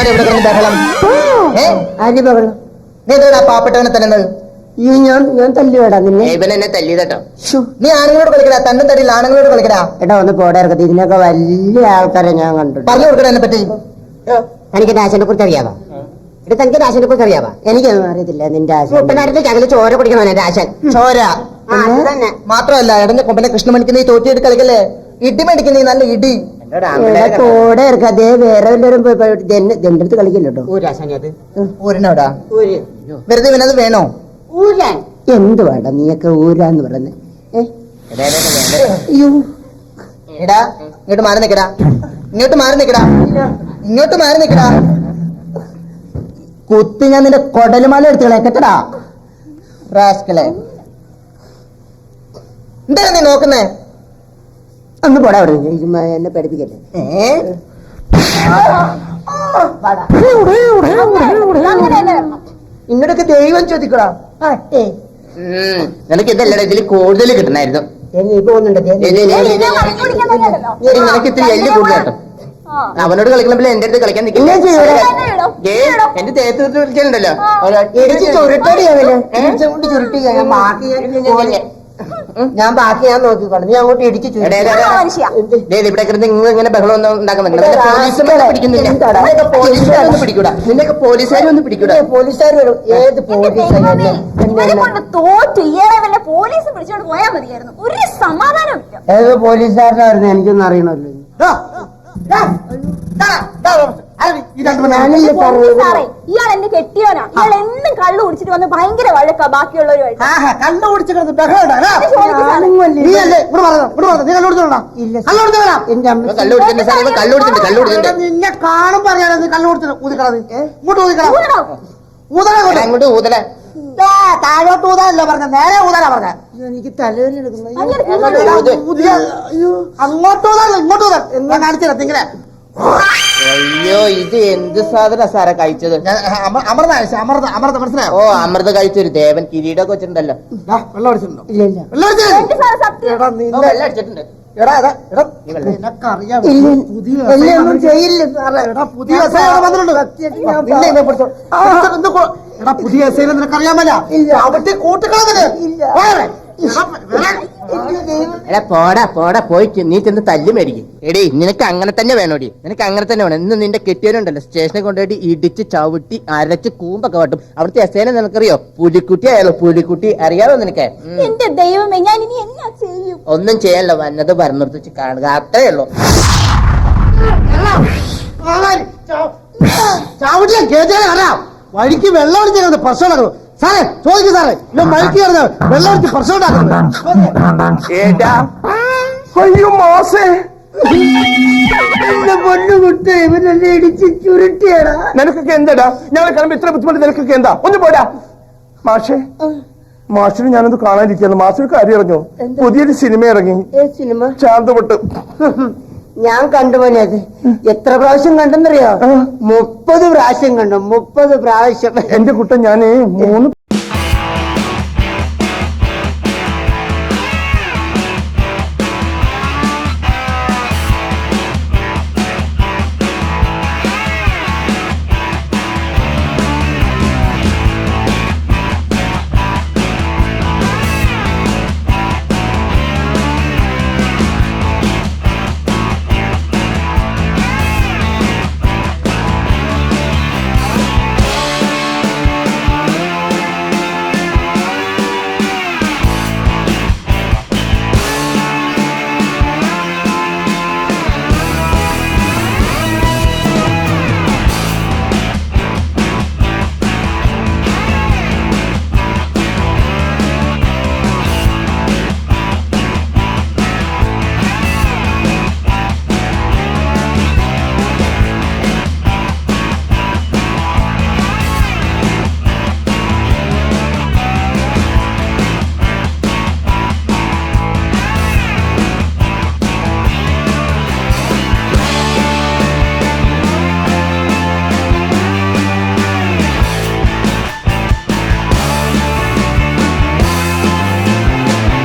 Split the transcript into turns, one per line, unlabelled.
എന്താണ് ഇവിടെ കിടന്ന് ബഹളം?
ആര് ബഹളം?
നീ എന്താണ് ആ പാവപ്പെട്ടവനെ തല്ലുന്നത്?
ഞാൻ തല്ലുവേടാ നിന്നെ.
ഇവൻ എന്നെ തല്ലിയതട്ടോ. നീ ആണുങ്ങളോട് കളിക്കടാ, തന്നും തടിയില്ല ആണുങ്ങളോട് കളിക്കടാ.
എടാ ഒന്ന് പോടാ ഇറക്കത്തി. ഇതിനൊക്കെ വലിയ ആൾക്കാരെ ഞാൻ കണ്ടു.
പറഞ്ഞു കൊടുക്കണ എന്നെ പറ്റി.
എനിക്ക് ആശാനെ കുറിച്ച് അറിയാവാ? എടാ തനിക്ക് ആശാനെ കുറിച്ച് അറിയാവാ? എനിക്കൊന്നും അറിയത്തില്ല. നിന്റെ ആശാൻ ചകല് ചോര കുടിക്കണോ എന്റെ ആശാൻ?
ചോര മാത്രമല്ല, എടഞ്ഞ കൊമ്പനെ കൃഷ്ണമണിക്ക് നീ തോറ്റിയിട്ട് കളിക്കല്ലേ. ഇടി മേടിക്കുന്ന നീ നല്ല ഇടി.
കോടെ ഇറക്കാതെ വേറെ വല്ലവരും എന്റെ അടുത്ത് കളിക്കില്ലട്ടോ.
ഊരിനോടാ വെറുതെ ഇവനത് വേണോ?
ഊരാൻ എന്ത് വേണ്ട നീയൊക്കെ ഊരാന്ന് പറയുന്നത്?
എടാ ഇങ്ങോട്ട് മാറി നിക്കടാ, ഇങ്ങോട്ട് മാറി നിക്കടാ, ഇങ്ങോട്ട് മാറി നിക്കടാ. കുത്തി ഞാൻ നിന്റെ കൊടലുമാല എടുത്ത് കളയക്കട്ടടാ റാസ്കളെ. എന്താ നീ നോക്കുന്നേ?
ഒന്ന് പോടാ അവിടെ, എന്നെ പഠിപ്പിക്കല്ലേ.
ഇങ്ങോട്ടൊക്കെ ദൈവം ചോദിക്കടാ. നിനക്ക് ഇതല്ലടാ, ഇതിൽ കൂടുതൽ കിട്ടണായിരുന്നു. നിനക്ക് ഇത്തിരി എല്ല് കൂടുതൽ കേട്ടോ. അവനോട് കളിക്കണപ്പോൾ എന്റെ അടുത്ത് കളിക്കാൻ നിൽക്കില്ല. എന്റെ തേത്ത് വിളിച്ചാലുണ്ടല്ലോ
ഞാൻ ബാക്കി ഞാൻ നോക്കിക്കോളാം. നീ അങ്ങോട്ട് ഇടിച്ചു
ഇവിടെ കിടന്ന് ഇങ്ങനെ ബഹളം ഒന്നും ഉണ്ടാക്കാൻ പിടിക്കുന്നില്ല. പിടിക്കൂടാ നിന്നൊക്കെ പോലീസുകാരും ഒന്നും പിടിക്കൂടാ.
പോലീസുകാർ വരും. ഏത്
പോലീസ് പിടിച്ചോണ്ട് പോയാൽ മതിയായിരുന്നു. ഒരു സമാധാനം ഇല്ല.
ഏത് പോലീസുകാരനായിരുന്നു എനിക്കൊന്നും അറിയണമല്ലോ.
ഇയാൾ എന്നെ കെട്ടിയോനാ. ഇയാൾ എന്നും കള്ളു കുടിച്ചിട്ട് വന്ന് ഭയങ്കര വഴക്കാ ബാക്കിയുള്ളവരുമായിട്ട്.
കള്ളു കുടിച്ചിട്ട്
നിന്നെ കാണും പറയാനത് കള്ളു കുടിച്ചിട്ട് ഊതിക്കളത്. ഇങ്ങോട്ട് ഊതല. താഴോട്ട് ഊതാനല്ലോ പറഞ്ഞ, നേരെ ഊതാനാ പറഞ്ഞ. എനിക്ക് തലവേദന എടുക്കുന്നത്. അങ്ങോട്ട് ഊതാനല്ലോ, ഇങ്ങോട്ട് ഊതാൻ എന്നാ കാണിച്ചില്ല ഇങ്ങനെ.
അയ്യോ ഇത് എന്ത് സാധന സാറാ കഴിച്ചത്?
അമൃത മനസ്സിലായോ?
ഓ അമൃത കഴിച്ചൊരു ദേവൻ കിരീടൊക്കെ വെച്ചിട്ടുണ്ടല്ലോ.
വെള്ളം അടിച്ചിട്ടുണ്ടോ? ഇല്ല ഇല്ല.
വെള്ളം അടിച്ചിട്ടുണ്ട്.
പുതിയ നിനക്കറിയാമല്ല.
എടാ പോടാ പോടാ പോയിട്ട് നീ ചെന്ന് തല്ലു മേടിക്കും. എടീ നിനക്ക് അങ്ങനെ തന്നെ വേണോടി, നിനക്ക് അങ്ങനെ തന്നെ വേണം. ഇന്ന് നിന്റെ കെട്ടിയവനുണ്ടല്ലോ സ്റ്റേഷനിൽ കൊണ്ടുപോയിട്ട് ഇടിച്ച് ചവിട്ടി അരച്ച് കൂമ്പൊക്കെ വട്ടും. അവിടുത്തെ എസ്ഐനെ നിനക്കറിയോ? പുലിക്കുട്ടി ആയാലോ പുലിക്കുട്ടി, അറിയാമോ നിനക്ക്?
എന്റെ ദൈവമേ, ഞാൻ ഇനി എന്നാ ചെയ്യും?
ഒന്നും ചെയ്യാനല്ലോ, വന്നത് പറഞ്ഞിടത്ത് വെച്ച് കാണുക, അത്രേ ഉള്ളൂ.
വഴിക്ക് വെള്ളം അടിച്ച പ്രശ്നം നടക്കും സാറേ. ചോദിക്കും സാറേ, ഞാൻ വഴിക്ക് കിടന്ന് വെള്ളം അടിച്ച് പ്രശ്നം പൊണ്ണുകുട്ടേ ഇവനെന്നെ ഇടിച്ച് ചുരുട്ടിയാടാ.
നിനക്കൊക്കെ എന്താടാ? ഞങ്ങൾ കിളമ്പ് ഇത്ര ബുദ്ധിമുട്ട് നിനക്കൊക്കെ എന്താ? ഒന്ന് പോടാ മാഷേ. മാഷിന് ഞാനത് കാണാനിരിക്കുന്നു. മാഷിന് കാര്യം അറിഞ്ഞോ? പുതിയൊരു സിനിമ ഇറങ്ങി.
സിനിമ
ശാന്തപ്പെട്ട്
ഞാൻ കണ്ടുപോനെ. അത് എത്ര പ്രാവശ്യം കണ്ടെന്നറിയോ? 30 പ്രാവശ്യം കണ്ടു. 30 പ്രാവശ്യം.
എന്റെ കുട്ടൻ ഞാന് 3